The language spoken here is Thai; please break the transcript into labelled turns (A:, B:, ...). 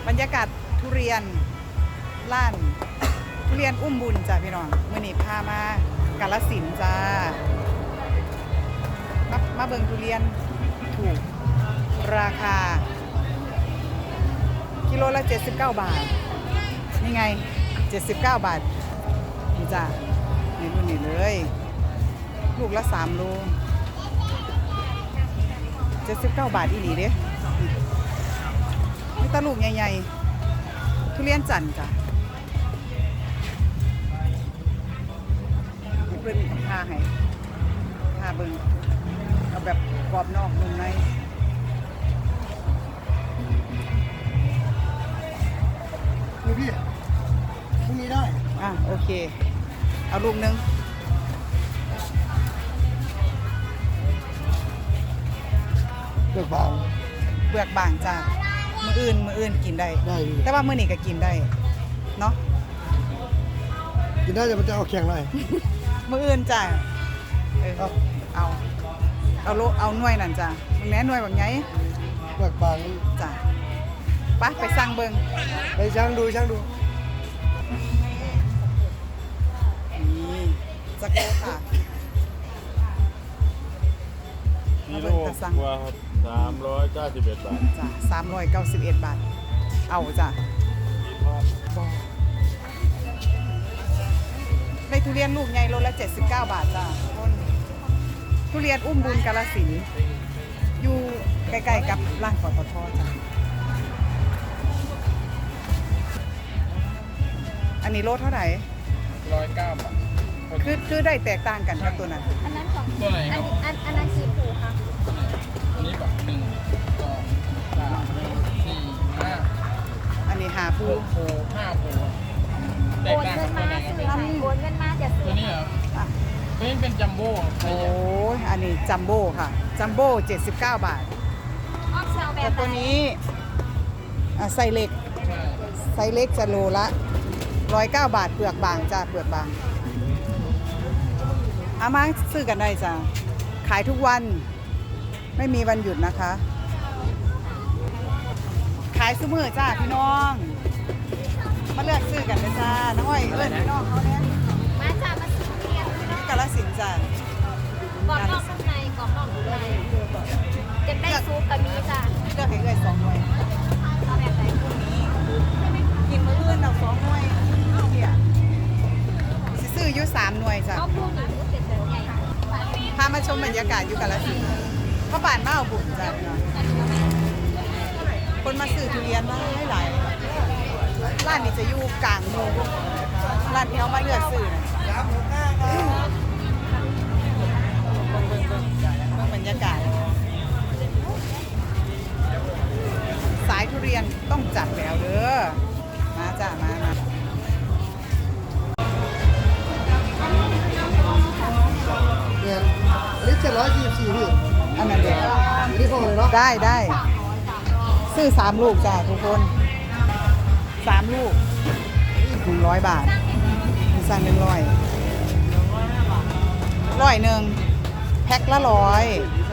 A: บรรยากาศทุเรียนล้านทุเรียนอุ้มบุญจ้ะพี่น้องมื้อนี้พามากาฬสินธุ์จ้ามาเบิ่งทุเรียนถูกราคากิโลละ79 บาทนี่ไง79 บาทนี่จ้ะนี่รุ่นนี้เลยลูกละ3 โล79 บาทอีหลีเด้นี่ตาลูกใหญ่ๆทุเรียนจันทร์จ้ะนี่เพิ่นพาให้พาเบิ่งเอาแบบกรอบนอกนุ่มใน
B: พี่พรุ่งนี้ได้
A: โอเคเอาลูกนึง
B: เปลือกบาง
A: เปลือกบางจ้ามืออื่นกินได้แต่ว่ามื้อนี้ก็กินได้เนาะ
B: กินได้แต่มันจะเอาแข็งหน่อย
A: มื้ออื่นจ้าเอาหน่วยนั่นจ้ามึงแหน่หน่วยแบบไง
B: เปลือกบาง
A: จ้าไปสั่งเบิ่ง
B: ไปช่างดู
A: นี่จักโลค่ะ
C: กิโลกว่าครับ391 บาท
A: จ้ะ391 บาทเอาจ้ะได้ทุเรียนลูกใหญ่โลละ79 บาทจ้ะทุเรียนอุ้มบุญกาฬสินธุ์อยู่ใกล้ๆกับร้านปตท.จ้ะอันนี้โลเท่าไหร่
C: 109 บาท
A: คือได้แตกต่างกันกับตัวนั้น
D: อันนั้นของ
C: ตัวไหนครับ
D: อันนั้นกี่ผูคะ
C: อันนี้แบบ1 2 3 4 5
A: อันนี้5
C: 6 ผู5 ผูแต
D: โอก น
C: ต่าง
D: เงิ
C: กัน
D: น
C: ตัว
D: มา
C: ไหนครับ
D: ซื้อค่ะโอนเงินมาจะซื้
C: ตั
D: อ
C: วนี้เหรอตัวนี้เป็นจัมโบ้
A: โอ้ยอันนี้จัมโบ้ค่ะจัมโบ้79 บาท
D: ออกเซลแบ
A: แต่
D: บ
A: ตัวนี้ไซส์เล็ก
C: ใช่
A: ไซส์เล็กจะโลละ109 บาทเปลือกบางจ้าเปลือกบางเอามาซื้อกันได้จ้าขายทุกวันไม่มีวันหยุดนะคะขายซุมื้อจ้าพี่น้องมาเลือกซื้อกันเลยจ้าน้องอ้อยพี่น้องเขาเนี่ย
D: มาจ้ามาซื้อเรียนพี่น้อง
A: กาฬสินธุ์จ้าก
D: รอบนอกข้างในกรอบนอกข้างในจะได้ซุปกับมีจ้า
A: เลือกให้เลย2 หน่วย
D: เอาแบบไหน
A: กินมื้ออื่นเอา2 หน่วยเดี๋ยวสิซื้ออยู่3 หน่วยจ้า
D: ก็พูดหนึ่งก็เป็นแบบใหญ่
A: พามาชมบรรยากาศอยู่กาฬสินธุ์พ่อป่านมาเอาบุญจ้าคนมาซื้อทุเรียนหลายร้านนี้จะอยู่กลางเมืองร้านที่เขามาเลือกซื้อนะเบิ่งบรรยากาศสายทุเรียนต้องจัดแล้วเด้อมาจ้ามา
B: เนี่ยอันนี้724พี่
A: อันนั้นเด็ก
B: อันนี้พอเลยเนาะ
A: ได้ซื้อ3 ลูกจ้าทุกคน3 ลูก100 บาทสั่ง100 100แพ็คละ100